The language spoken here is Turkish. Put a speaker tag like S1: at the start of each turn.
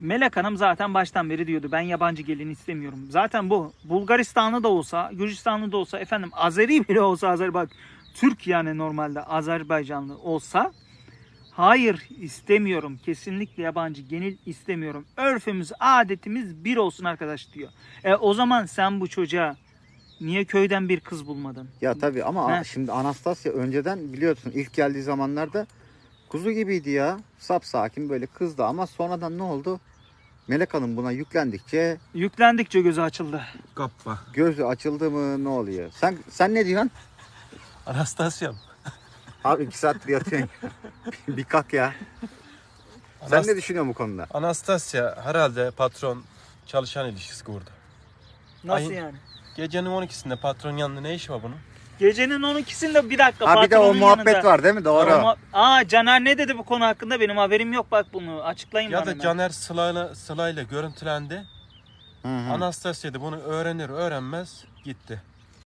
S1: Melek Hanım zaten baştan beri diyordu ben yabancı gelin istemiyorum. Zaten bu Bulgaristanlı da olsa, Gürcistanlı da olsa, efendim Azeri bile olsa, bak Türk yani normalde Azerbaycanlı olsa hayır istemiyorum. Kesinlikle yabancı gelin istemiyorum. Örfümüz, adetimiz bir olsun arkadaş diyor. O zaman sen bu çocuğa niye köyden bir kız bulmadın?
S2: Ya tabii ama
S1: He.
S2: şimdi Anastasya önceden biliyorsun ilk geldiği zamanlarda kuzu gibiydi ya. Sapsakin böyle kızdı ama sonradan ne oldu? Melek Hanım buna yüklendikçe
S1: Yüklendikçe gözü açıldı.
S3: Kappa.
S2: gözü açıldı mı ne oluyor? Sen ne diyorsun?
S3: Anastasya'm.
S2: Abi 2 saattir yatıyorsun. Bir kalk ya. Sen ne düşünüyorsun bu konuda?
S3: Anastasya herhalde patron çalışan ilişkisi kurdu.
S1: Nasıl
S3: Ay-
S1: yani?
S3: Gecenin 12'sinde patron yanında ne işi var bunun?
S1: Gecenin 12'sinde bir dakika.
S2: Ha bir de o
S1: patronun
S2: muhabbet
S1: yanında.
S2: var değil mi? Doğru.
S1: Caner ne dedi bu konu hakkında? Benim haberim yok, bak bunu açıklayın
S3: Ya
S1: bana.
S3: da
S1: hemen.
S3: Caner Sıla'yla görüntülendi.
S2: Hı hı.
S3: Anastasya da bunu öğrenir öğrenmez gitti.